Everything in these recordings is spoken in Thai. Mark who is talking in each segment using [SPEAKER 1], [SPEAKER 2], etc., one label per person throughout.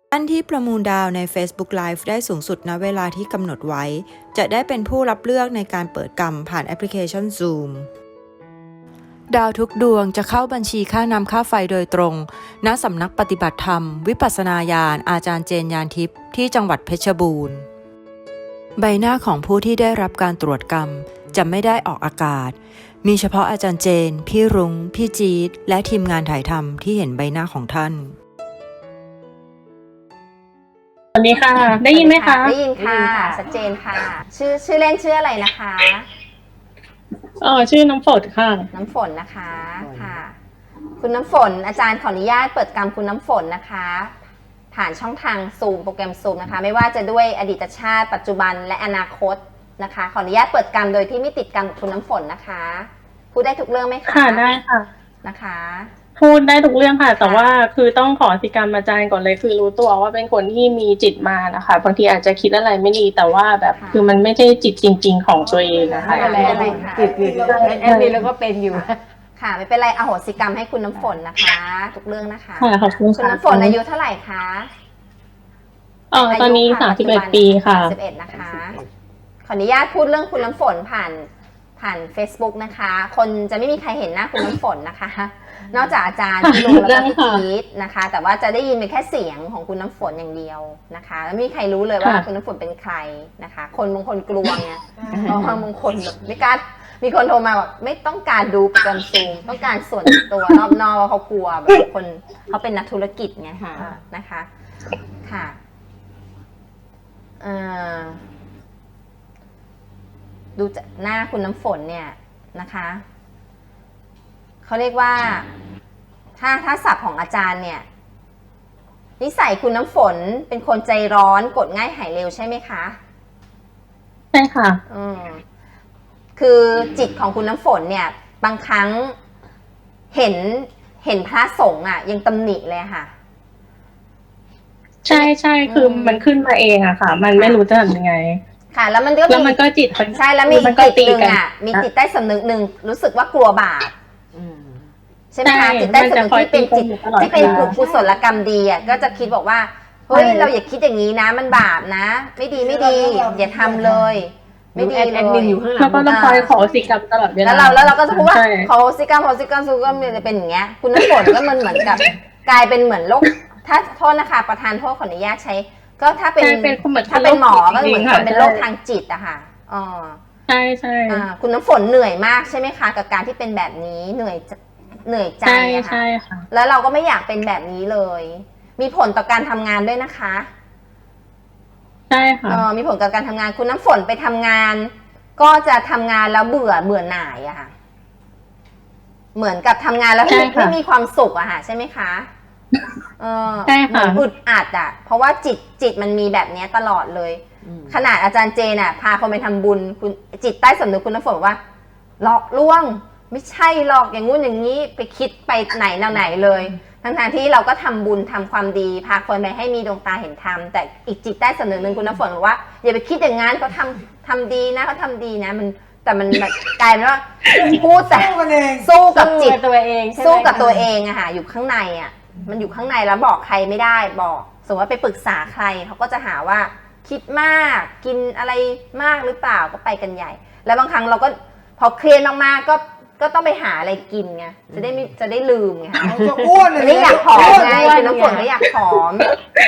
[SPEAKER 1] ท่านที่ประมูลดาวใน Facebook Live ได้สูงสุดณเวลาที่กำหนดไว้จะได้เป็นผู้รับเลือกในการเปิดกรรมผ่านแอปพลิเคชัน Zoom ดาวทุกดวงจะเข้าบัญชีค่าน้ำค่าไฟโดยตรงณสำนักปฏิบัติธรรมวิปัสสนาญาณอาจารย์เจนยานทิพย์ที่จังหวัดเพชรบูรณ์ใบหน้าของผู้ที่ได้รับการตรวจกรรมจะไม่ได้ออกอากาศมีเฉพาะอาจารย์เจนพี่รุ้งพี่จี๊ดและทีมงานถ่ายทำที่เห็นใบหน้าของท่าน
[SPEAKER 2] สวัสดีค่ะได้ยินไหมคะ
[SPEAKER 3] ได้ยินค่ะชัดเจนค่ะชื่อเล่นชื่ออะไรนะคะ
[SPEAKER 2] ชื่อน้ำฝนค่ะ
[SPEAKER 3] น้ำฝนนะคะค่ะคุณน้ำฝนอาจารย์ขออนุญาตเปิดกรรมคุณน้ำฝนนะคะผ่านช่องทางซูมโปรแกรมซูมนะคะไม่ว่าจะด้วยอดีตชาติปัจจุบันและอนาคตนะคะขออนุญาตเปิดกรรมโดยที่ไม่ติดกรรมคุณน้ำฝนนะคะพูดได้ทุกเรื่องไหมคะ
[SPEAKER 2] ค่ะได้ค่ะ
[SPEAKER 3] นะคะ
[SPEAKER 2] พูดได้ทุกเรื่องค่ะแต่ว่าคือต้องขออธิกรรมอาจารย์ก่อนเลยคือรู้ตัวว่าเป็นคนที่มีจิตมานะคะบางทีอาจจะคิดอะไรไม่ดีแต่ว่าแบบคือมันไม่ใช่จิตจริงๆของตัวเองนะคะ
[SPEAKER 3] อะไร
[SPEAKER 4] จิตแอดมินแล้วก็เป็นอยู่
[SPEAKER 3] ค่ะไม่เป็นไรอโหสิกรรมให้คุณน้ำฝนนะคะทุกเรื่องนะคะ
[SPEAKER 2] ค่ะขอบคุณค่ะ
[SPEAKER 3] คุณน้ำฝนอายุเท่าไหร่คะ
[SPEAKER 2] ตอนนี้31 ปีค่ะ
[SPEAKER 3] 31นะคะขออนุญาตพูดเรื่องคุณน้ำฝนผ่าน Facebook นะคะคนจะไม่มีใครเห็นหน้าคุณน้ำฝนนะคะนอกจากอาจารย์ที่รู้แล้วก็พี่พีทนะคะแต่ว่าจะได้ยินเป็นแค่เสียงของคุณน้ำฝนอย่างเดียวนะคะแล้วไม่มีใครรู้เลยว่าคุณน้ำฝนเป็นใครนะคะคนบางคนกลัวไงเพราะบางคนแบบไม่กล้ามีคนโทรมาแบบไม่ต้องการดูโปรแกรมซูมต้องการส่วนตัวนอกๆว่าเขากลัวแบบคนเขาเป็นนักธุรกิจไงนะคะค่ะดูจากหน้าคุณน้ำฝนเนี่ยนะคะเขาเรียกว่าถ้าศัพท์ของอาจารย์เนี่ยนิสัยคุณน้ำฝนเป็นคนใจร้อนกดง่ายหายเร็วใช่ไหมคะ
[SPEAKER 2] ใช่ค่ะ
[SPEAKER 3] คือจิตของคุณน้ำฝนเนี่ยบางครั้งเห็นพระสงฆ์อ่ะยังตำหนิเลยค่ะ
[SPEAKER 2] ใช่คือมันขึ้นมาเองอะค่ะมันไม่รู้จะทำยังไง
[SPEAKER 3] ค่ะแล้วมัน
[SPEAKER 2] ก็จิต
[SPEAKER 3] ใช่แล้วมีจิตหนึ่งอ่ะมีจิตใต้สำนึกหนึ่งรู้สึกว่ากลัวบาปใช่ไหมคะจิตใต้สำนึกที่เป็นจิตที่เป็นกุศลกรรมดีอ่ะก็จะคิดบอกว่าเฮ้ยเราอย่าคิดอย่างนี้นะมันบาปนะไม่ดีอย่าทำเลยไม่ดีเลย
[SPEAKER 2] แล้วก็ต้องคอยขอสิกรรมตลอดเวลา
[SPEAKER 3] แล้วเราก็จะพูดว่าขอสิกรรมซูก็จะเป็นอย่างเงี้ยคุณน้ำฝนก็มันเหมือนกับกลายเป็นเหมือนโรคถ้าโทษนะคะประธานโทษขออนุญาตใช้ก็ถ้าเป็นหมอก็เหมือนคนเป็นโรคทางจิตอะค่ะ
[SPEAKER 2] ใช่
[SPEAKER 3] คุณน้ำฝนเหนื่อยมากใช่ไหมคะกับการที่เป็นแบบนี้เหนื่อยใจ
[SPEAKER 2] ใช่ค่ะ
[SPEAKER 3] แล้วเราก็ไม่อยากเป็นแบบนี้เลยมีผลต่อการทำงานด้วยนะคะ
[SPEAKER 2] ใช่ค่ะ
[SPEAKER 3] มีผลกับการทำงานคุณน้ำฝนไปทำงานก็จะทำงานแล้วเบื่อหน่ายอะค่ะเหมือนกับทำงานแล้วไม่มีความสุขอะค่ะใช่ไหมคะ
[SPEAKER 2] ใช่ค่ะ
[SPEAKER 3] อึดอัดอ่ะเพราะว่าจิตมันมีแบบนี้ตลอดเลยขนาดอาจารย์เจนอ่ะพาคนไปทำบุญคุณจิตใต้สำนึกคุณน้ำฝนบอกว่าหลอกลวงไม่ใช่หรอกอย่างงู้นอย่างนี้ไปคิดไปไหนแนวไหนเลยทั้งที่เราก็ทำบุญทำความดีพาคนไปให้มีดวงตาเห็นธรรมแต่อีกจิตใต้สำนึกนึงคุณน้ำฝนบอกว่าอย่าไปคิดอย่างนั้นเขาทำดีนะเขาทำดีนะแต่มันแบบกลายเป็นว่าพูดแต่สู้กับจิต
[SPEAKER 4] ตัวเอง
[SPEAKER 3] สู้กับตัวเองอะค่ะอยู่ข้างในอะมันอยู่ข้างในแล้วบอกใครไม่ได้บอกสมมติว่าไปปรึกษาใครเขาก็จะหาว่าคิดมากกินอะไรมากหรือเปล่าก็ไปกันใหญ่แล้วบางครั้งเราก็พอเครียดมากๆก็ต้องไปหาอะไรกินไงจะได้ลืมไงคะ
[SPEAKER 4] จะอ้วน
[SPEAKER 3] ไม่อยากผอมไงคือน้ำฝนก็อยากผอม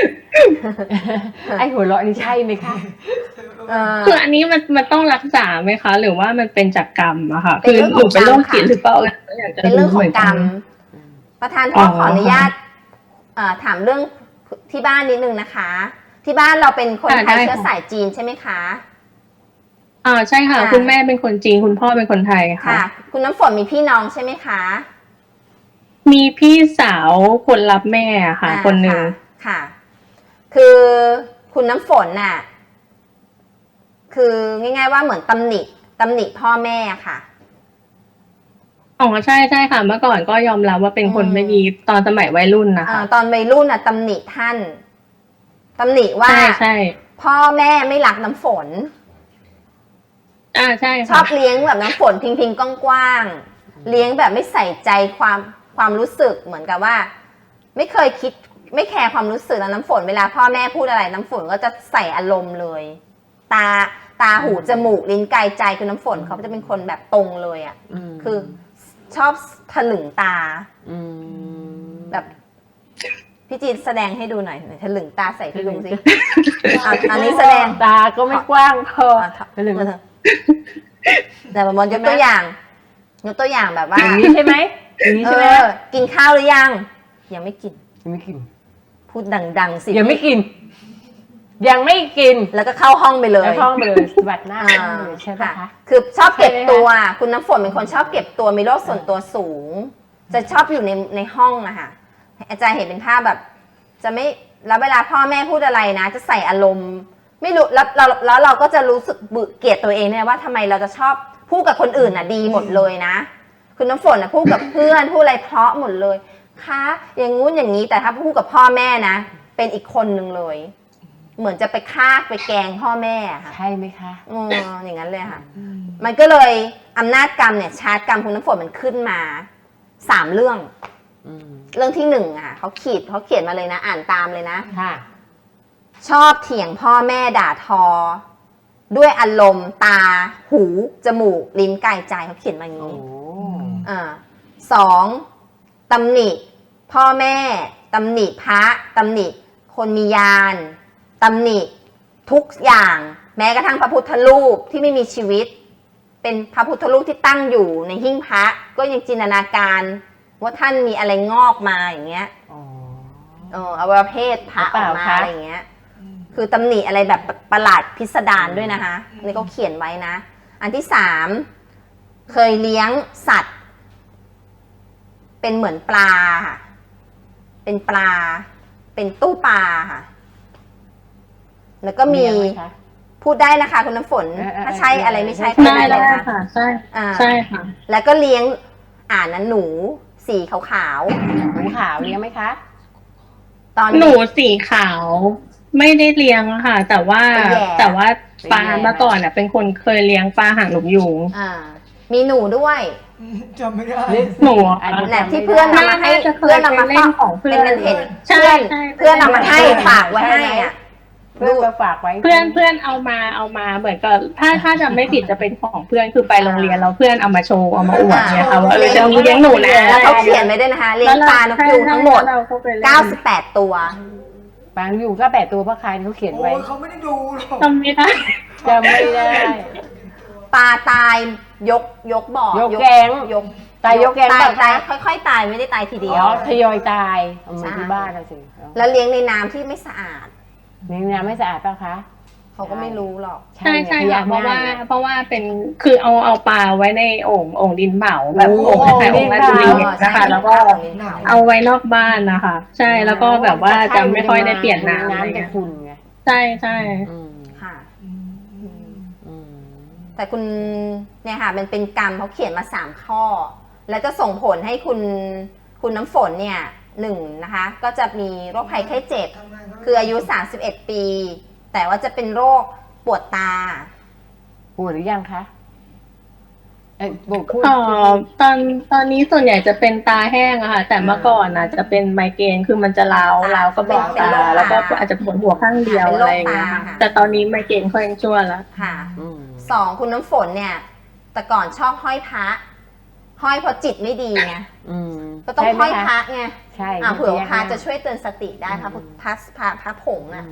[SPEAKER 4] ไอหัวเราะนี่ใช่ไหมคะ
[SPEAKER 2] คืออันนี้มันต้องรักษาไหมคะหรือว่ามันเป็นจากกรรมอะค่ะคือหนูเป็นโรคจิตหรือเปล่า
[SPEAKER 3] เป็นเรื่องของกรรมประธานขออนุญาตถามเรื่องที่บ้านนิดนึงนะคะที่บ้านเราเป็นคนไทยเชื้อสายจีนใช่ไหมคะ
[SPEAKER 2] ใช่ค่ะคุณแม่เป็นคนจีนคุณพ่อเป็นคนไทยค่ะ
[SPEAKER 3] คุณน้ำฝนมีพี่น้องใช่ไหมคะ
[SPEAKER 2] มีพี่สาวคนรับแม่ค่ะคนหนึ่ง
[SPEAKER 3] ค่ะคือคุณน้ำฝนน่ะคือง่ายๆว่าเหมือนตำหนิพ่อแม่ค่ะ
[SPEAKER 2] ใช่ค่ะเมื่อก่อนก็ยอมรับว่าเป็นคนไม่ดีตอนสมัยวัยรุ่นนะคะ
[SPEAKER 3] ตอนวัยรุ่นน่ะตำหนิท่านตำหนิว่า
[SPEAKER 2] ใช่
[SPEAKER 3] พ่อแม่ไม่รักน้ำฝน
[SPEAKER 2] ใช่
[SPEAKER 3] ชอบเลี้ยงแบบน้ำฝนทิ้งกว้างๆเลี้ยงแบบไม่ใส่ใจความรู้สึกเหมือนกับว่าไม่เคยคิดไม่แคร์ความรู้สึกแล้วน้ำฝนเวลาพ่อแม่พูดอะไรน้ำฝนก็จะใส่อารมณ์เลยตาหูจมูกลิ้นกายใจคือน้ำฝนเขาจะเป็นคนแบบตรงเลยอ่ะคือชอบถลึงตาแบบพี่จีนแสดงให้ดูหน่อยถลึงตาใส่พี่ลุงสิอันนี้แสดง
[SPEAKER 4] ตาก็ไม่กว้างพอ
[SPEAKER 3] ถลึงแต่บางยกตัวอย่างแบบว่า
[SPEAKER 4] อย่างนี้ใช่ไหมอย่างนี้ใช่ไหม
[SPEAKER 3] กินข้าวหรือยังยังไม่กิน
[SPEAKER 4] ยังไม่กิน
[SPEAKER 3] พูดดังๆสิ
[SPEAKER 4] ยังไม่กิน ยังไม่กิน
[SPEAKER 3] แล้วก็เข้าห้องไปเลย
[SPEAKER 4] แล้วท้องไปเลยสวัสดหน้าเลยใช่ปะคะ
[SPEAKER 3] คือชอบเก็บตัวคุณน้ำฝนเป็นคนชอบเก็บตัวมีโรคส่วนตัวสูง จะชอบอยู่ในห้องอะค่ะอาจารย์เห็นเป็นภาพแบบ จะไม่แล้วเวลาพ่อแม่พูดอะไรนะ จะใส่อารมณ์ไม่รู้แล้วเราก็จะรู้สึกเกลียดตัวเองเนี่ยว่าทำไมเราจะชอบพูดกับคนอื่นน่ะดีหมดเลยนะคุณน้ำฝนนะพูดกับเพื่อนพูดอะไรเพราะหมดเลยคะอย่างงู้นอย่างนี้แต่ถ้าพูดกับพ่อแม่นะเป็นอีกคนนึงเลย เหมือนจะไปฆ่าไปแกล้งพ่อแม่ค่ะ
[SPEAKER 4] ใช่ไหมคะ
[SPEAKER 3] อย่างนั้นเลยค่ะมันก็เลยอำนาจกรรมเนี่ยชาร์จกรรมคุณน้ำฝนมันขึ้นมา3เรื่องเรื่องที่1อ่ะเขาเขียนมาเลยนะอ่านตามเลยนะ
[SPEAKER 4] ค่ะ
[SPEAKER 3] ชอบเถียงพ่อแม่ด่าทอ ด้วยอารมณ์ตาหูจมูกลิ้นกายใจเขาเขียนมาอย่าง
[SPEAKER 4] โอ้
[SPEAKER 3] นี้2ตำหนิพ่อแม่ตำหนิพระตำหนิคนมียานตำหนิทุกอย่างแม้กระทั่งพระพุทธรูปที่ไม่มีชีวิต เป็นพระพุทธรูปที่ตั้งอยู่ในหิ้งพระก็ยังจินตนาการว่าท่านมีอะไรงอกมาอย่างเงี้ยอวัยวะเพศพระออกมาอะไรอย่างเงี้ยคือตำหนิอะไรแบบประหลาดพิสดารด้วยนะคะนี่เขาเขียนไว้นะอันที่3เคยเลี้ยงสัตว์ เป็นเหมือนปลาค่ะเป็นปลาเป็นตู้ปลาค่ะแล้วก็มีพูดได้นะคะคุณน้ำฝนถ้าใช่อะไรไม่ใช่ก็
[SPEAKER 2] ได้
[SPEAKER 3] ได้
[SPEAKER 2] ค่ะใช่ค่ะ
[SPEAKER 3] แล้วก็เลี้ยงนั้นหนูสีขาว
[SPEAKER 4] หนูขาวเลี้ยงไหมคะ
[SPEAKER 3] ๆตอน
[SPEAKER 2] หนูสีขาวไม่ได้เลี้ยงค่ะ แต่ว่าปลาเมื่อก่อนอ่ะเป็นคนเคยเลี้ยงปลาหางนกยูง
[SPEAKER 3] มีหนูด้วย
[SPEAKER 5] จำไม่ได้
[SPEAKER 2] หนู
[SPEAKER 3] แหละที่เพื่อนนำมาให้
[SPEAKER 2] น่าจะเคย
[SPEAKER 3] เพื่อนนำมา
[SPEAKER 2] ไปเล่นของเพื่อน
[SPEAKER 3] เป็นเห็น
[SPEAKER 2] ใช่
[SPEAKER 3] เพื่อน
[SPEAKER 2] ใช่
[SPEAKER 3] นำมาให้ฝากไว้ให้อ่ะ
[SPEAKER 4] เพื่อนก็ฝากไว้
[SPEAKER 2] เพื่อนเอามาเหมือนกับถ้าจำไม่ผิดจะเป็นของเพื่อนคือไปโรงเรียนแล้วเพื่อนเอามาโชว์เอามาอวดเนี่ยค่ะว่าจะเลี้ยงหนูนะ
[SPEAKER 3] แล้วเขาเขียนไว้ด้วยนะคะเลี้ยงปลานกยูงทั้งหมด98 ตัว
[SPEAKER 4] บางอยู่ก็8 ตัวพระคายเขาเขียน
[SPEAKER 5] โอ้
[SPEAKER 4] ไว้
[SPEAKER 5] ยเขาไม่ได้ดูหรอก
[SPEAKER 2] จำไม่ได้
[SPEAKER 4] จำไม่ได้
[SPEAKER 3] ปลาตายยกบ่อย
[SPEAKER 4] กแก๊ง
[SPEAKER 3] ยก
[SPEAKER 4] ตายยกแก๊ง
[SPEAKER 3] ตาย
[SPEAKER 4] แบบ
[SPEAKER 3] ตายค่อยๆตายไม่ได้ตายทีเดียว
[SPEAKER 4] ทยอยตายเอามาที่บ้านเราสิ
[SPEAKER 3] แล้วเลี้ยงในน้ำที่ไม่สะอาด
[SPEAKER 4] นี่น้ำไม่สะอาดป่ะคะ
[SPEAKER 3] เขาก็ไม่รู้หรอก
[SPEAKER 2] ใช่ค่ะ
[SPEAKER 4] ขยะ
[SPEAKER 2] เพราะว่า
[SPEAKER 4] ง่ย
[SPEAKER 2] เพราะว่าเป็นคือเอาปลาไว้ในโอ่งดินเผาแบบ
[SPEAKER 4] โอ้
[SPEAKER 2] โอ่งคล้ายๆโอ่งราชบุรี
[SPEAKER 3] ดินเผา
[SPEAKER 2] นะคะแล้วก็เอาไว้นอกบ้านนะคะใช่แล้วก็แบบว่าจะไม่ค่อยได้เปลี่ยนน้ำอะไร
[SPEAKER 4] น้ำจะ
[SPEAKER 2] เงี้ย
[SPEAKER 4] ขุ่นไง
[SPEAKER 2] ใช่ใช่
[SPEAKER 3] ค่ะ
[SPEAKER 4] อืม
[SPEAKER 3] แต่คุณเนี่ยค่ะมันเป็นกรรมเขาเขียนมา3ข้อ แล้วจะส่งผลให้คุณน้ำฝนเนี่ยนะคะก็จะมีโรคภัยไข้เจ็บ คืออายุ31 ปี แต่ว่าจะเป็นโรคปวดตา
[SPEAKER 4] ปวดหรือยังคะบอกพูด
[SPEAKER 2] ตอนนี้ส่วนใหญ่จะเป็นตาแห้งอะค่ะ แต่เมื่อก่อนนะจะเป็นไมเกรนคือมันจะร้าวก็บอกตาแล้วก็อาจจะปวดหัวข้างเดียวอะไรอย่างเงี้ยค่ะแต่ตอนนี้ไมเกรนค่อยชั่วแล้ว
[SPEAKER 3] ค่ะ2คุณน้ำฝนเนี่ย แต่ก่อนชอบห้อยพระห้อยเพราะจิตไม่ดีไงก็ต้องห้อยพระไง
[SPEAKER 4] ใช่
[SPEAKER 3] เผื่อพระจะช่วยเตือนสติได้พระผงอ่ะ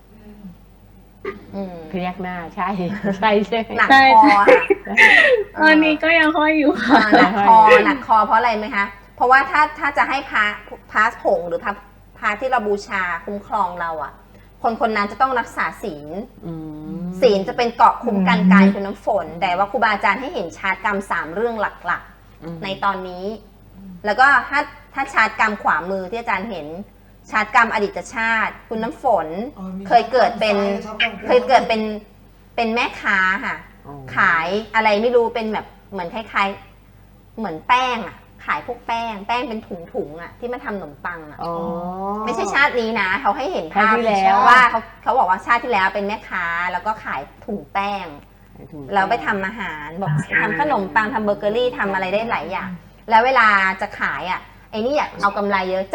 [SPEAKER 4] พยักหน้าใช่ใช่ใช่
[SPEAKER 3] หนักคอค่ะ
[SPEAKER 2] ตอนนี้ก็ยังห้อยอยู่ค่ะ
[SPEAKER 3] หนักคอเพราะอะไรไหมคะ เพราะว่าถ้าจะให้พระผงหรือพระที่เราบูชาคุ้มครองเราอ่ะ คนนั้นจะต้องรักษาศีลศีลจะเป็นเกราะคุ้มกันกายคุณน้ำฝน แต่ว่าครูบาอาจารย์ให้เห็นชาร์จกรรม3เรื่องหลักๆในตอนนี้ แล้วก็ถ้าชาร์จกรรมขวามือที่อาจารย์เห็นชาร์จกรรมอดีตชาติ คุณน้ำฝนเคยเกิดเป็นแม่ค้าค่ะ ขายอะไรไม่รู้เป็นแบบเหมือนคล้ายๆเหมือนแป้งอ่ะขายพวกแป้งเป็นถุงอ่ะที่มาทำขนมปังอ่ะไม่ใช่ชาตินี้นะเขาให้เห็นภาพว่าเขาบอกว่าชาติที่แล้วเป็นแม่ค้าแล้วก็ขายถุงแป้งแล้วไปทำอาหารบอกทำขนมปังทำเบเกอรี่ทำอะไรได้หลายอย่างแล้วเวลาจะขายอ่ะไอ้นี่อยากเอากำไรเยอะเจาะ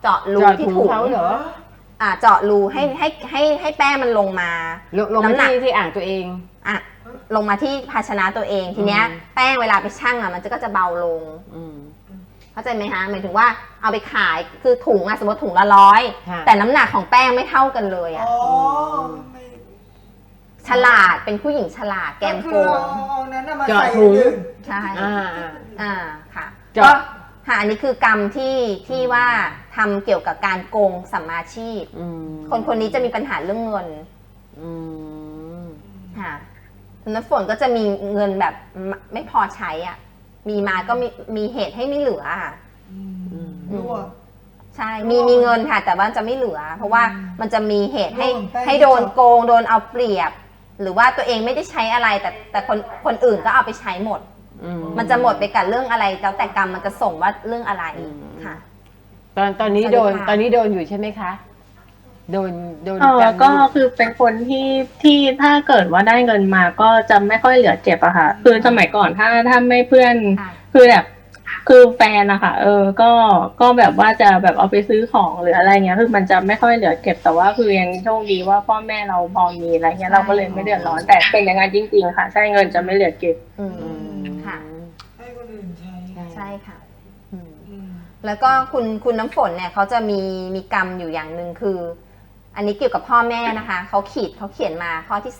[SPEAKER 3] เจาะรู
[SPEAKER 4] เจาะ
[SPEAKER 3] ที่
[SPEAKER 4] ถุง
[SPEAKER 3] ถุง
[SPEAKER 4] เขาเหรอ
[SPEAKER 3] เจาะรูให้แป้งมันลงมา
[SPEAKER 4] ลง
[SPEAKER 3] น้ำหนั
[SPEAKER 4] มาก ที่อ่างตัวเอง
[SPEAKER 3] อ่ะลงมาที่ภาชนะตัวเองทีเนี้ยแป้งเวลาไปชั่งอ่ะมันก็จะเบาลง
[SPEAKER 4] อืม
[SPEAKER 3] เข้าใจไหมคะหมายถึงว่าเอาไปขายคือถุงอ่ะสมมติถุงละ100
[SPEAKER 4] ค่ะ
[SPEAKER 3] แต่น้ำหนักของแป้งไม่เท่ากันเลยอ่ะ
[SPEAKER 5] อ๋อไม่
[SPEAKER 3] ฉลาดเป็นผู้หญิงฉลาดแกมโก
[SPEAKER 5] คือง เอานั้นน่ะมา
[SPEAKER 4] เจาะ
[SPEAKER 5] ใส่
[SPEAKER 4] ถุง
[SPEAKER 5] อื่น
[SPEAKER 3] ใช่ ค่ะ
[SPEAKER 4] เจาะ
[SPEAKER 3] ก็ค่ะอันนี้คือกรรมที่ว่าทำเกี่ยวกับการโกงสัมมาชีพ
[SPEAKER 4] อืม
[SPEAKER 3] คนนี้จะมีปัญหาเรื่องเงิน
[SPEAKER 4] อืม
[SPEAKER 3] ค่ะคุณน้ำฝนก็จะมีเงินแบบไม่พอใช้อ่ะมีมาก็มีเหตุให้ไม่เหลือค่ะ
[SPEAKER 5] รั่ว
[SPEAKER 3] ใช่มีเงินค่ะ แต่ว่าจะไม่เหลือ เพราะว่ามันจะมีเหตุให้
[SPEAKER 5] โดนแป้ง
[SPEAKER 3] ให้โดนโกงโดนเอาเปรียบ หรือว่าตัวเองไม่ได้ใช้อะไรแต่คนอื่นก็เอาไปใช้หมด มันจะหมดไปกับเรื่องอะไรแล้วแต่กรรมมันจะส่งว่าเรื่องอะไรค่ะ
[SPEAKER 4] ตอนนี้
[SPEAKER 3] สวัสดี
[SPEAKER 4] โดน
[SPEAKER 3] ค่ะ
[SPEAKER 4] ตอนนี้โดนอยู่ใช่ไหมคะ โดนาร
[SPEAKER 2] ก็คือเป็นคนที่ถ้าเกิดว่าได้เงินมาก็จะไม่ค่อยเหลือเก็บอะค่ะ คือสมัยก่อนถ้าไม่เพื่อน
[SPEAKER 3] ค่ะ
[SPEAKER 2] คือแบบคือแฟนอะค่ะก็แบบว่าจะแบบเอาไปซื้อของหรืออะไรเงี้ยคือมันจะไม่ค่อยเหลือเก็บแต่ว่าคือยังโชคดีว่าพ่อแม่เราพอมีอะไรเงี้ยเราก็เลยไม่เดือดร้อนแต่เป็นอย่างนั้นจริงๆค่ะใช่เงินจะไม่เหลือเก็บ
[SPEAKER 3] อืมค่ะ
[SPEAKER 5] ให้คนอื่นใช้
[SPEAKER 3] ใช่ค่ะ
[SPEAKER 5] อืม
[SPEAKER 3] แล้วก็คุณน้ำฝนเนี่ยเขาจะมีกรรมอยู่อย่างหนึ่งคือ อันนี้เกี่ยวกับพ่อแม่นะคะเขาเขียนมาข้อที่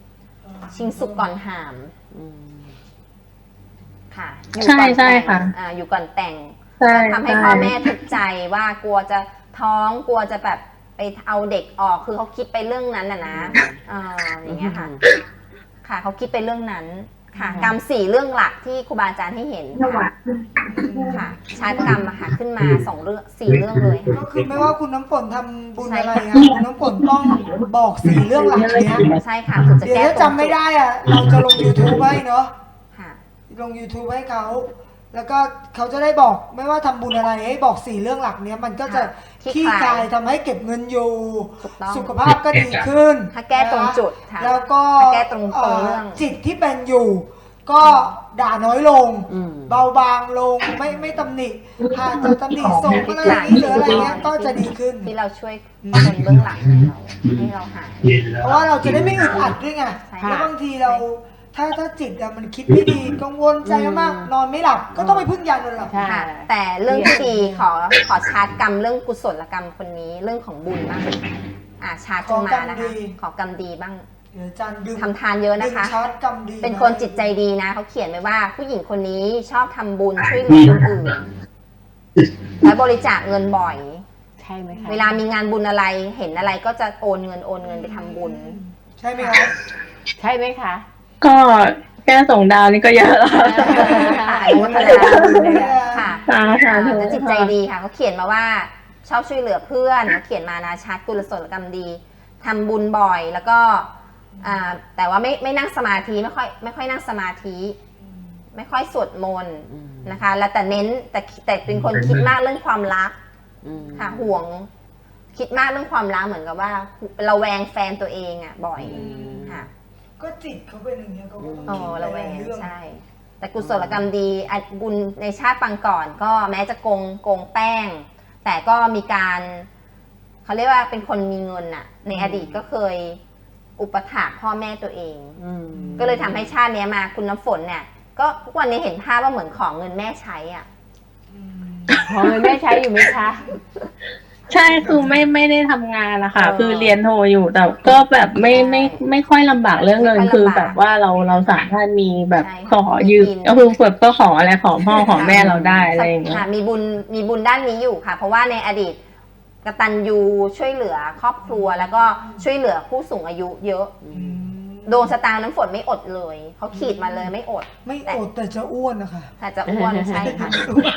[SPEAKER 3] 4 ชิงสุกก่อนหาม
[SPEAKER 4] อืม
[SPEAKER 3] ค่ะ
[SPEAKER 2] ใช่ใช่ค่ะ
[SPEAKER 3] อยู่ก่อนแต่ง
[SPEAKER 2] ใช่
[SPEAKER 3] ทำให้พ่อแม่ทุกข์ใจว่ากลัวจะท้องกลัวจะแบบไปเอาเด็กออกคือเขาคิดไปเรื่องนั้นนะอย่างเงี้ยค่ะ ค่ะเขาคิดไปเรื่องนั้นค่ะ กรรม 4 เรื่องหลักที่ครูบาอาจารย์ให้เห็นค่ะชาติกรรมอะค่ะขึ้นมา2 เรื่อง 4 เรื่องเลยค่ะ
[SPEAKER 5] ก็คือไม่ว่าคุณน้ำฝนทำบุญอะไรอะคุณน้ำฝนต้องบอก4เรื่องหลักเนี้ย
[SPEAKER 3] ใช่ค่ะถึงจะ
[SPEAKER 5] เดี๋ยว
[SPEAKER 3] แก้
[SPEAKER 5] ถ้าจำไม่ได้อะเราจะลง YouTube ไว้เนาะ
[SPEAKER 3] ค่ะ
[SPEAKER 5] ลง YouTube ให้เขา แล้วก็เขาจะได้บอกไม่ว่าทำบุญอะไรให้บอก4เรื่องหลักเนี้ยมันก็จะ
[SPEAKER 3] ค่ะ
[SPEAKER 5] ขี้คายทำให้เก็บเงินอยู่
[SPEAKER 3] ถูกต้อง
[SPEAKER 5] สุขภาพก็ดีขึ้น
[SPEAKER 3] ถ้าแก้ตรงจุดค่ะ
[SPEAKER 5] แล้วก็
[SPEAKER 3] ถ้าแก้ตรงเรื่อง
[SPEAKER 5] จิตที่เป็นอยู่ ก็ด่าน้อยลง
[SPEAKER 4] อืม
[SPEAKER 5] เบาบางลงไม่ตำหนิหากจะตำหนิส่งอะไรอย่างนี้หรืออะไรเงี้ยก็จะดีขึ้น
[SPEAKER 3] ที่เราช่วยคนเบื้องหลังให้เราหาย
[SPEAKER 5] เพราะว่าเราจะได้ไม่อึดอัดด้วยไง
[SPEAKER 3] ใช่
[SPEAKER 5] แล้วบางทีเราถ้าจิตอะมันคิดไม่ดีกังวลใจมากนอนไม่หลับ ก็ต้องไปพึ่งยานอนหลับ
[SPEAKER 4] ใช่
[SPEAKER 3] ค่ะแต่เรื่องที่ดีขอชาร์จกรรมเรื่องกุศลกรรมคนนี้เรื่องของบุญบ้างชาร์จขึ้นมานะคะขอกรรมดีบ้าง
[SPEAKER 5] เดี๋ยวอาจารย์ดึง
[SPEAKER 3] ทำทานเยอะ
[SPEAKER 5] ดึ
[SPEAKER 3] นะ
[SPEAKER 5] ง
[SPEAKER 3] คะ
[SPEAKER 5] ชาร์จกรรมดี
[SPEAKER 3] เป็นคนจิตใจดีนะเขาเขียนไว้ว่าผู้หญิงคนนี้ชอบทำบุญช่วยเหลือคนอื่นและบริจาคเงินบ่อย
[SPEAKER 4] ใช่ไหมคะ
[SPEAKER 3] เวลามีงานบุญอะไรเห็นอะไรก็จะโอนเงินไปทำบุญ
[SPEAKER 5] ใช่ไหมครับ
[SPEAKER 4] ใช่ไหมคะ
[SPEAKER 2] ก็แค่ส่งดาวนี่ก็เยอะแล้ว
[SPEAKER 3] ค่ะอนุโมทนาค่ะ
[SPEAKER 2] ค่ะ
[SPEAKER 3] แต่จิตใจดีค่ะเขาเขียนมาว่าชอบช่วยเหลือเพื่อนเขาเขียนมานะชาร์จกุศลกรรมดีทำบุญบ่อยแล้วก็แต่ว่าไม่นั่งสมาธิไม่ค่อยนั่งสมาธิไม่ค่อยสวดมนต์นะคะ แล้วแต่เน้นแต่เป็นคนคิดมากเรื่องความรัก
[SPEAKER 4] อืม
[SPEAKER 3] ค่ะห่วงคิดมากเรื่องความรักเหมือนกับว่าระแวงแฟนตัวเองอ่ะบ่อยค่ะ
[SPEAKER 5] ก็จิตเขาเป็นอย่างเงี้ยเขาก็ต้อง
[SPEAKER 3] อ๋อ
[SPEAKER 5] คิด
[SPEAKER 3] ระ
[SPEAKER 5] ห
[SPEAKER 3] แว
[SPEAKER 5] ลาย
[SPEAKER 3] ง
[SPEAKER 5] ๆเรื่อง
[SPEAKER 3] ใช่ แต่กุศลกรรมดีบุญในชาติปางก่อนก็แม้จะโกงแป้ง แต่ก็มีการเขาเรียกว่าเป็นคนมีเงินน่ะ ในอดีตก็เคยอุปถัมภ์พ่อแม่ตัวเอง
[SPEAKER 4] อืม
[SPEAKER 3] ก็เลยทำให้ชาติเนี้ยมาคุณน้ำฝนเนี่ย ก็ทุกวันนี้เห็นภาพว่าเหมือนของเงินแม่ใช้อ่ะ
[SPEAKER 4] ขอเงินแม่ใช้อยู่ไหมคะ
[SPEAKER 2] ใช่คือไม่ได้ทำงานนะคะคือเรียนโทอยู่แต่ก็แบบไม่ค่อยลำบากเรื่องเงินคือแบบว่าเราสามารถมีแบบขอยืมก็คือแบบก็ขออะไรขอพ่อขอแม่เราได้อะไรอย่างเงี้ย
[SPEAKER 3] ค่ะมีบุญด้านนี้อยู่ค่ะ เพราะว่าในอดีตกตัญญูช่วยเหลือครอบครัวแล้วก็ช่วยเหลือผู้สูงอายุเยอะดวงชะตาน้ำฝนไม่อดเลยเขาขีดมาเลยไม่อด
[SPEAKER 5] ไม่อดแต่จะอ้วนนะคะ
[SPEAKER 3] แต่จะอ้วนใช่ค่ะ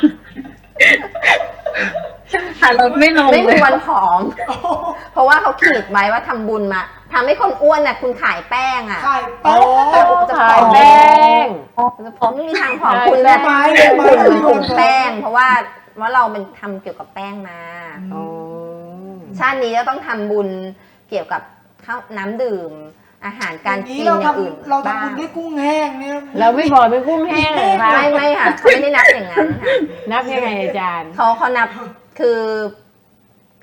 [SPEAKER 2] ค่ะเราไม่ลง
[SPEAKER 3] ไม่
[SPEAKER 2] เล
[SPEAKER 3] มี
[SPEAKER 2] ย
[SPEAKER 3] วันผอม เพราะว่าเขาขีดไว้ว่าทำบุญมาทำให้คนอ้วนน่ะคุณขายแป้งอ่ะ
[SPEAKER 5] ขายแป้ง
[SPEAKER 3] จะผ
[SPEAKER 4] ขา
[SPEAKER 3] อย ม
[SPEAKER 4] แป้ง
[SPEAKER 3] ผมไม่มีทางผอม
[SPEAKER 4] ขาย
[SPEAKER 3] คุณแบบ
[SPEAKER 5] ไม้
[SPEAKER 3] กลุ่มแป้ง เพราะว่าเราเป็นทำเกี่ยวกับแป้งมา
[SPEAKER 4] อ๋อ
[SPEAKER 3] ชาตินี้ก็ต้องทำบุญเกี่ยวกับข้าวน้ำดื่ม อาหารการกิน
[SPEAKER 5] เรา
[SPEAKER 3] อย่างอื่น
[SPEAKER 5] เรา
[SPEAKER 3] บ้า
[SPEAKER 5] ทำบุ
[SPEAKER 3] ง
[SPEAKER 5] ญด้วยกุ้งแห้งเนี่ย
[SPEAKER 4] เราไม่บอกเป็นกุ้งแห้งเหรอคะ
[SPEAKER 3] ไม่ค่ะเขาไม่ได้นับอย่างนั้นค่ะ
[SPEAKER 4] นับยังไงอาจารย์
[SPEAKER 3] เขานับคือ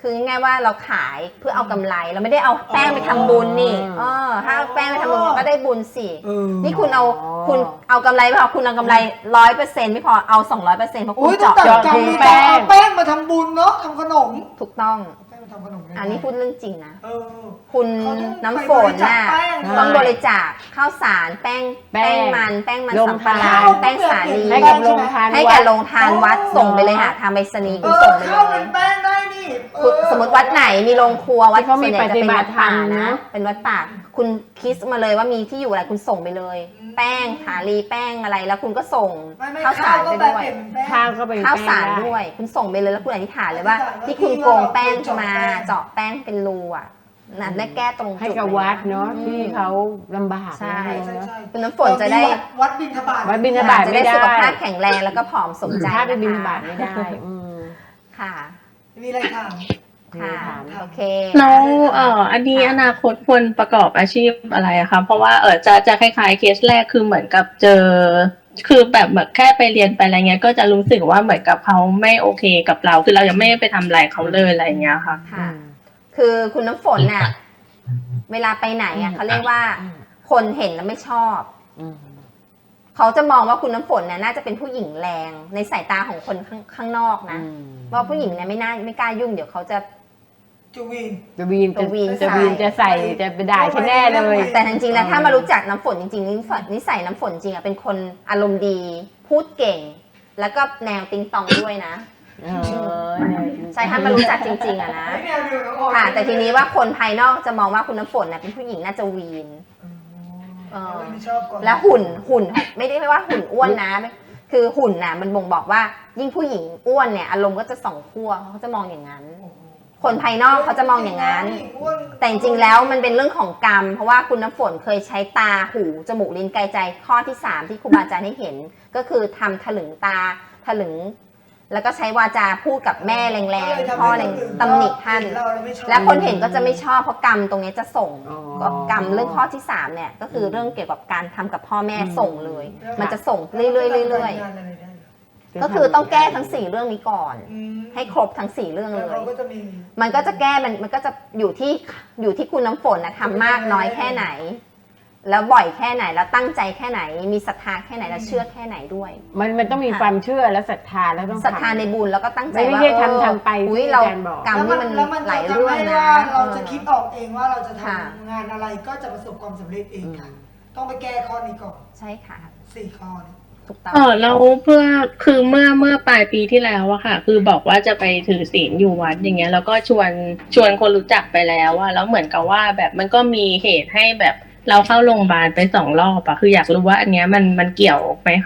[SPEAKER 3] คือง่ายๆว่าเราขายเพื่อเอากำไรเราไม่ได้เอาแป้งไปทำบุญนี่ถ้าเอาแป้งไปทำบุญก็ได้บุญสินี่คุณเอากำไรไม่พอคุณเอากำไร 100% ไม่พอเอา 200%เพราะคุ
[SPEAKER 5] อุ้
[SPEAKER 3] ณ
[SPEAKER 5] ยต้อง
[SPEAKER 3] เจาะ
[SPEAKER 5] จัด
[SPEAKER 3] จ
[SPEAKER 5] กรรง มมี
[SPEAKER 3] แป้ง
[SPEAKER 5] เอาแป้งมาทำบุญเนาะทำขนม
[SPEAKER 3] ถูกต้อง
[SPEAKER 5] เอาแป้งมาทำขนม
[SPEAKER 3] อันนี้พูดเรื่องจริงนะ
[SPEAKER 5] เออ
[SPEAKER 3] คุณ
[SPEAKER 5] เขาต้อง
[SPEAKER 3] น้ำฝนน่ะ
[SPEAKER 5] ไปบริจาคแป้ง
[SPEAKER 3] ต้องบริจาคข้าวสารแป้งมัน
[SPEAKER 4] โรง
[SPEAKER 3] สำปะ
[SPEAKER 4] ทาน
[SPEAKER 3] หลังแป้งสาลี
[SPEAKER 4] ให้กับโรงทาน
[SPEAKER 3] ให้กับโรงทานวัดส่งไปเลยค่ะทางไปรษณีย์คุณส่งไปเล
[SPEAKER 5] ข้าวย เป็นแป้งได้นี่เออ
[SPEAKER 3] สมมติวัดไหนมีโรงครัววัด
[SPEAKER 4] ที่เขามี
[SPEAKER 3] ส่วนใหญ่จะเป็นวัดป่า
[SPEAKER 4] ปฏิบัติธรรม
[SPEAKER 3] นะ
[SPEAKER 4] นะ
[SPEAKER 3] เป็นวัดป่าคุณคิดมาเลยว่ามีที่อยู่อะไรคุณส่งไปเลย แป้งสาลีแป้งอะไรแล้วคุณก็ส่ง
[SPEAKER 5] ไม่
[SPEAKER 3] ข้าวสาร
[SPEAKER 5] ก็
[SPEAKER 3] ไป
[SPEAKER 5] แปล
[SPEAKER 3] ด้วย
[SPEAKER 5] เปลี่ยนเป็นแป้ง
[SPEAKER 4] ข้าวก็เป็น
[SPEAKER 3] ข้าวสาร
[SPEAKER 4] แป้งไ
[SPEAKER 3] ด้วย คุณส่งไปเลยแล้วคุณอธิษฐานเลยว่า
[SPEAKER 5] อธิษฐาน
[SPEAKER 3] ที่คุณโกงแป้งมา
[SPEAKER 5] เจาะแป้ง
[SPEAKER 3] เจาะแป้งเป็นรูอ่ะนั่นได้แก้ตรงจุด
[SPEAKER 4] ให้กับวัดเนาะ
[SPEAKER 3] อืม
[SPEAKER 4] ที่เขาลำบาก
[SPEAKER 3] ใช่
[SPEAKER 4] นะ
[SPEAKER 5] ใช่
[SPEAKER 3] คุณน้ำฝนจะได้
[SPEAKER 5] วัดบิณฑบาต
[SPEAKER 4] วัดบิณฑบาต
[SPEAKER 3] จะได้สุขภาพแข็งแรงแล้วก็ผอมสมใจ
[SPEAKER 4] ถ้าไปบิณฑ
[SPEAKER 3] นะคะ
[SPEAKER 4] บาตไม่ได้
[SPEAKER 3] ค่ะ
[SPEAKER 5] มีอะไรถาม
[SPEAKER 3] ค่ะ
[SPEAKER 4] ถาม
[SPEAKER 3] โอเค
[SPEAKER 2] แล้วอันนี้อนาคตควรประกอบอาชีพอะไรอะคะเพราะว่าจะคล้ายๆเคสแรกคือเหมือนกับเจอคือแบบเหมือนแค่ไปเรียนไปอะไรเงี้ยก็จะรู้สึกว่าเหมือนกับเขาไม่โอเคกับเราคือเรายังไม่ได้ไปทำอะไรเขาเลยอะไรเงี้ยค่ะ
[SPEAKER 3] ค่ะ คือคุณน้ำฝนน่ะเวลาไปไหนอ่ะเขาเรียกว่าคนเห็นแล้วไม่ชอบ เขาจะมองว่าคุณน้ำฝนเนี่ยน่าจะเป็นผู้หญิงแรงในสายตาของคนข้างนอกนะว่าผู้หญิงเนี่ยไม่กล้ายุ่งเดี๋ยวเขาจะ
[SPEAKER 5] จูวีน
[SPEAKER 4] จะวีน
[SPEAKER 3] จะวีน
[SPEAKER 4] จะใส่จะไปด่าฉันแน่เลย
[SPEAKER 3] แต่จริงๆแล้วถ้ามารู้จักน้ำฝนจริงๆนิสัยน้ำฝนจริงอ่ะเป็นคนอารมณ์ดี พูดเก่ง แล้วก็แนวติงตองด้วยนะใช่ถ้ามารู้จักจริงๆอ่ะนะ
[SPEAKER 5] ไม่แนวเดียวน้องออย
[SPEAKER 3] ค่ะแต่ทีนี้ว่าคนภายนอกจะมองว่าคุณน้ำฝนน่ะเป็นผู้หญิงน่าจะวีน
[SPEAKER 5] ไม่ชอบก่อน
[SPEAKER 3] และหุ่นไม่ได้ว่าหุ่นอ้วนนะ คือหุ่นน่ะมันบ่งบอกว่ายิ่งผู้หญิงอ้วนเนี่ยอารมณ์ก็จะสองขั้วเขาจะมองอย่างนั้น คนภายนอกเขาจะมองอย่างนั้น แต่จริงๆแล้วมันเป็นเรื่องของกรรม เพราะว่าคุณน้ำฝนเคยใช้ตาหูจมูกลิ้นกายใจข้อที่ 3 ที่ครูบาอาจารย์ให้เห็น ก็คือทำถลึงตาถลึง แล้วก็ใช้วาจาพูดกับแม่แรงๆพ่อแรงตำหนิท่าน และคนเห็นก็จะไม่ชอบเพราะกรรมตรงนี้จะส่งก็กรรมเรื่องข้อที่ 3เนี่ยก็คือเรื่องเกี่ยวกับการทำกับพ่อแม่ส่งเลย มันจะส่งเรื่อยๆก็คือต้องแก้ทั้ง4เรื่องนี้ก่อน ให้ครบทั้ง4เรื่องเลย มันก็จะแก้มันก็จะอยู่ที่คุณน้ำฝนนะทำมากน้อยแค่ไหน แล้วบ่อยแค่ไหนแล้วตั้งใจแค่ไหนมีศรัทธาแค่ไหนแล้วเชื่อแค่ไหนด้วย
[SPEAKER 4] มันต้องมีความเชื่อและศรัทธาแล้วต้อง
[SPEAKER 3] ศรัทธาในบุญแล้วก็ตั้งใจ
[SPEAKER 4] ไม่
[SPEAKER 3] ว่า
[SPEAKER 4] ใช่ทำไป
[SPEAKER 3] อุ้ย
[SPEAKER 4] ที่
[SPEAKER 3] เรา
[SPEAKER 4] อาจารย์บอก
[SPEAKER 3] กรรมนี่มัน
[SPEAKER 5] แล้วมัน
[SPEAKER 3] หลาย
[SPEAKER 5] จะ
[SPEAKER 3] เรื่อง
[SPEAKER 5] ทำให้
[SPEAKER 3] นะ
[SPEAKER 5] ว่าเราจะคิดออกเองว่าเราจะท
[SPEAKER 3] ค่ะ
[SPEAKER 5] ำงานอะไรก็จะประสบความสำเร็จเองค่ะ ต้องไปแก้ข้อนี้ก่อน
[SPEAKER 3] ใช่ค่ะ
[SPEAKER 5] 4 ข้อนี้
[SPEAKER 3] ถูกต้อง
[SPEAKER 2] แล้วเพื่อคือเมื่อปลายปีที่แล้วอะค่ะ คือบอกว่าจะไปถือศีลอยู่วัดอย่างเงี้ยแล้วก็ชวนคนรู้จักไปแล้วอะแล้วเหมือนกับว่าแบบมันก็มีเหตุให้แบบเราเข้าโรงพยาบาลไป2 รอบอะคืออยากรู้ว่าอันเนี้ยมันเกี่ยวไหมคะ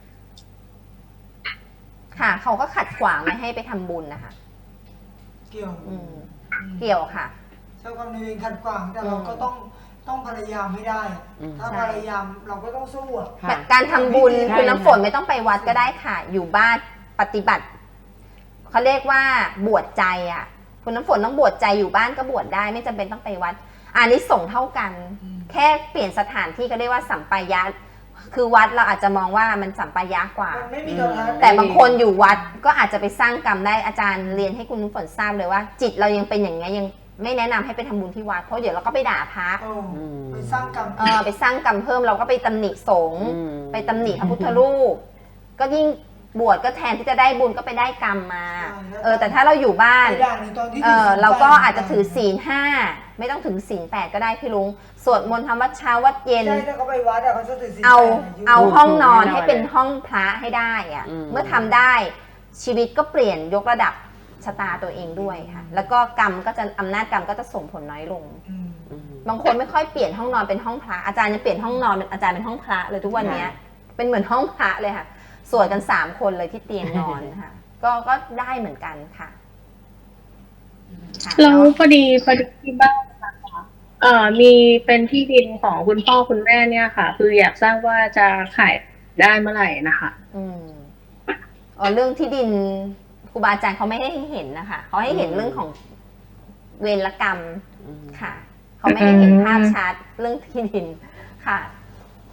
[SPEAKER 3] ค่ะเขาก็ขัดขวางไม่ให้ไปทำบุญนะคะ
[SPEAKER 5] เกี่ยว
[SPEAKER 3] เกี่ยวค่ะ
[SPEAKER 5] เจ้ากรรมนายเวรขัดขวางแต่เราก็ต้องพยายามให้ได้อะถ้า
[SPEAKER 3] ใช่
[SPEAKER 5] พยายามเราก็ต้องสู้อะ
[SPEAKER 4] ค่ะ
[SPEAKER 3] การทำบุญ
[SPEAKER 4] ใช่
[SPEAKER 3] คุณน้ำฝนไม่ต้องไปวัดก็ได้ค่ะ อยู่บ้านปฏิบัติเขาเรียกว่าบวชใจอ่ะ คุณน้ำฝนต้องบวชใจอยู่บ้านก็บวชได้ไม่จำเป็นต้องไปวัดอันนี้ส่งส์เท่ากัน แค่เปลี่ยนสถานที่เขาเรียกว่าสัมปายะคือวัดเราอาจจะมองว่ามันสัมปายะกว่า
[SPEAKER 5] มันไม่มีโทรทัศน์
[SPEAKER 3] แต่บางคนอยู่วัดก็อาจจะไปสร้างกรรมได้อาจารย์เรียนให้คุณน้ำฝนทราบเลยว่า จิตเรายังเป็นอย่างนี้ยยังไม่แนะนำให้ไปทำบุญที่วัดเพราะเดี๋ยวเราก็ไปด่าพระ
[SPEAKER 5] ไปสร้างกรรม
[SPEAKER 3] ไปสร้างกรรมเพิ่มเราก็ไปตำหนิสงฆ์ไปตำหนิพระพุทธรูปก็ยิ่งบวชก็แทนที่จะได้บุญก็ไปได้กรรมมาแต่ถ้าเราอยู่บ้าน
[SPEAKER 5] ไปด่าในตอนที่ถือศีล
[SPEAKER 3] เราก็อาจจะถือศีล 5ไม่ต้องถึงศีล 8ก็ได้พี่ลุงสวดมนต์ทำวัดเช้าวัดเย็น
[SPEAKER 5] ใช่ถ้าเขาไปวัดอะเขาจะถือศีล
[SPEAKER 3] เอา
[SPEAKER 5] 8
[SPEAKER 3] เอาห้องนอน
[SPEAKER 4] แน่นอน
[SPEAKER 3] ให้เป็นห้องพระให้ได้อะเมื่อทำได้ชีวิตก็เปลี่ยนยกระดับชะตาตัวเองด้วยค่ะแล้วก็กรรมก็จะอำนาจกรรมก็จะส่งผลน้อยลง บางคนไม่ค่อยเปลี่ยนห้องนอนเป็นห้องพระอาจารย์ยังเปลี่ยนห้องนอนเป็นอาจารย์เป็นห้องพระเลยทุกวันนี้เป็นเหมือนห้องพระเลยค่ะสวดกัน3คนเลยที่เตียงนอนค่ะก็ได้เหมือนกันค่ะ
[SPEAKER 2] แล้วพอดีที่บ้านนะคะมีเป็นที่ดินของคุณพ่อคุณแม่เนี่ยค่ะ คืออยากทราบว่าจะขายได้เมื่อไหร่นะคะ
[SPEAKER 3] เรื่องที่ดินครูบาอาจารย์เขาไม่ให้เห็นนะคะเขาให้เห็นเรื่องของเวรกรรมค่ะเขาไม่ให้เห็นภาพชัดเรื่องที่ดินค่ะค่ะ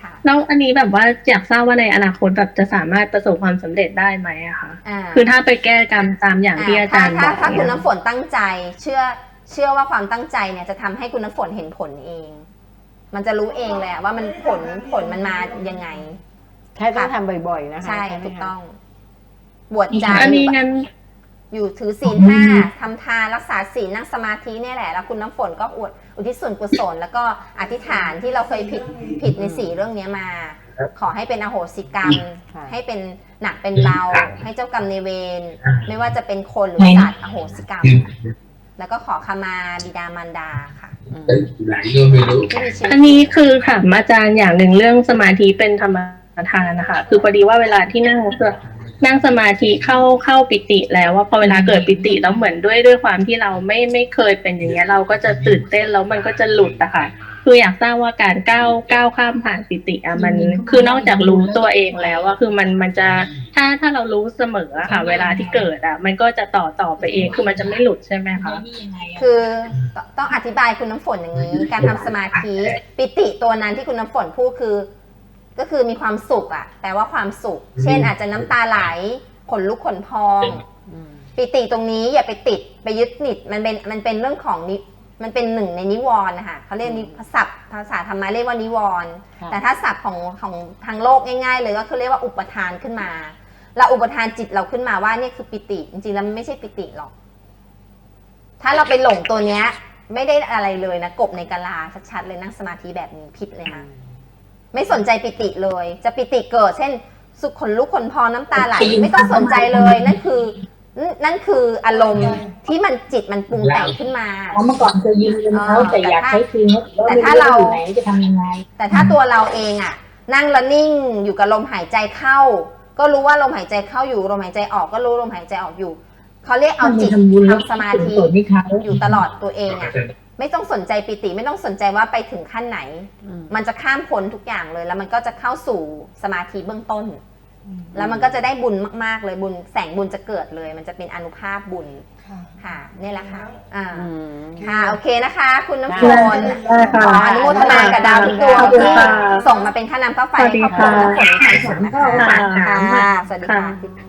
[SPEAKER 3] ค่ะ
[SPEAKER 2] แล้วอันนี้แบบว่าอยากทราบว่าในอนาคตแบบจะสามารถประสบความสำเร็จได้ไหมอะคะ
[SPEAKER 3] อ่า
[SPEAKER 2] คือถ้าไปแก้กรรมตามอย่างที่อาจารย์บอก
[SPEAKER 3] ถ้าคุณ
[SPEAKER 2] เนี่ย
[SPEAKER 3] น้ำฝนตั้งใจเชื่อว่าความตั้งใจเนี่ยจะทำให้คุณน้ำฝนเห็นผลเอง มันจะรู้เองเลยว่ามันผลมันมายังไง
[SPEAKER 4] แค่ต้องทำบ่อยๆนะคะ
[SPEAKER 3] ใช่
[SPEAKER 4] ไหม
[SPEAKER 3] ถูก
[SPEAKER 4] คะ
[SPEAKER 3] ต้อง บวชใจ
[SPEAKER 2] อันนี้งั้น
[SPEAKER 3] อยู่ถือศีล 5ทำทานรักษาศีลนั่งสมาธิเนี่ยแหละแล้วคุณน้ำฝนก็อุทิศส่วนกุศลแล้วก็อธิษฐานที่เราเคยผิดใน4เรื่องนี้มา ขอให้เป็นอโหสิกรรม ให้เป็นหนักเป็นเบา ให้เจ้ากรรมในายเวรไม่ว่าจะเป็นคนหรือสัตว์อโหสิกรรม แล้วก็ขอขมาบิดามารดาค่ะที่มีชีวิต
[SPEAKER 2] อันนี้คือถามอาจารย์อย่างหนึ่งเรื่องสมาธิเป็นธรรมทานนะคะคือพอดีว่าเวลาที่นั่งสมาธิเข้าปิติแล้วว่าพอเวลาเกิดปิติแล้วเหมือนด้วยความที่เราไม่เคยเป็นอย่างเงี้ยเราก็จะตื่นเต้นแล้วมันก็จะหลุดอะค่ะคืออยากทราบว่าการก้าวข้ามผ่านปิติอะมันคือนอกจากรู้ตัวเองแล้วว่าคือมันจะถ้าเรารู้เสมออะค่ะ เวลาที่เกิดอะมันก็จะต่อไปเองคือมันจะไม่หลุดใช่ไหมคะ
[SPEAKER 3] คือต้องอธิบายคุณน้ำฝนอย่างนี้ การทำสมาธิปิติตัวนั้นที่คุณน้ำฝนพูดก็คือมีความสุขอะแปลว่าความสุข เช่นอาจจะน้ำตาไหลขนลุกขนพอง ปิติตรงนี้อย่าไปติดไปยึดติดมันเป็นเรื่องของมันเป็นหนึ่งในนิวรณ์นะคะเขาเรียกศัพท์ภาษาธรรมะเรียกว่านิวรณ์แต่ถ้าศัพท์ของทางโลกง่ายๆเลยก็คือเรียกว่าอุปทานขึ้นมาเราอุปทานจิตเราขึ้นมาว่านี่คือปิติจริงๆแล้วมันไม่ใช่ปิติหรอกถ้าเราไปหลงตัวเนี้ยไม่ได้อะไรเลยนะกบในกะลาชัดๆเลยนั่งสมาธิแบบนี้ผิดเลยค่ะไม่สนใจปิติเลยจะปิติเกิดเช่นสุขขนลุกขนพองน้ำตาไหลไม่ต้องสนใจเลยนั่นคืออารมณ์ที่มันจิตมันปรุงแต่งขึ้นมา
[SPEAKER 6] เมื่อก่อนเคยยืมเงินเขาแต่อยากใช้คืน
[SPEAKER 3] แต่ถ้าเรา
[SPEAKER 6] อยู่ไหนจะทำยังไง
[SPEAKER 3] แต่ถ้าตัวเราเองอะนั่งแล้วนิ่งอยู่กับลมหายใจเข้า ก็รู้ว่าลมหายใจเข้าอยู่ลมหายใจออกก็รู้ลมหายใจออกอยู่เขาเรียกเอาจิตทำสมาธิอยู่ตลอดตัวเองอะไม่ต้องสนใจปิติไม่ต้องสนใจว่าไปถึงขั้นไหน มันจะข้ามพ้นทุกอย่างเลยแล้วมันก็จะเข้าสู่สมาธิเบื้องต้น แล้วมันก็จะได้บุญมากๆเลยบุญแสงบุญจะเกิดเลย มันจะเป็นอานุภาพบุญ
[SPEAKER 5] ค่ะ
[SPEAKER 3] ค่ะนี่แหละค่ะ
[SPEAKER 4] อืม
[SPEAKER 3] ค่ะโอเคนะคะ คุณน้ำฝน
[SPEAKER 2] ได้ค่ะ
[SPEAKER 3] ขออนุโมทนากับดาวทุกดวง
[SPEAKER 2] ขอบคุณ
[SPEAKER 3] ที่
[SPEAKER 2] ค่ะ
[SPEAKER 3] ส่งมาเป็นค่าน้ำค่าไฟให้ครอบครัวน้ำฝนมีความสุขนะคะ
[SPEAKER 2] ค่ะ
[SPEAKER 3] ค่ะสวัสดีค่ะ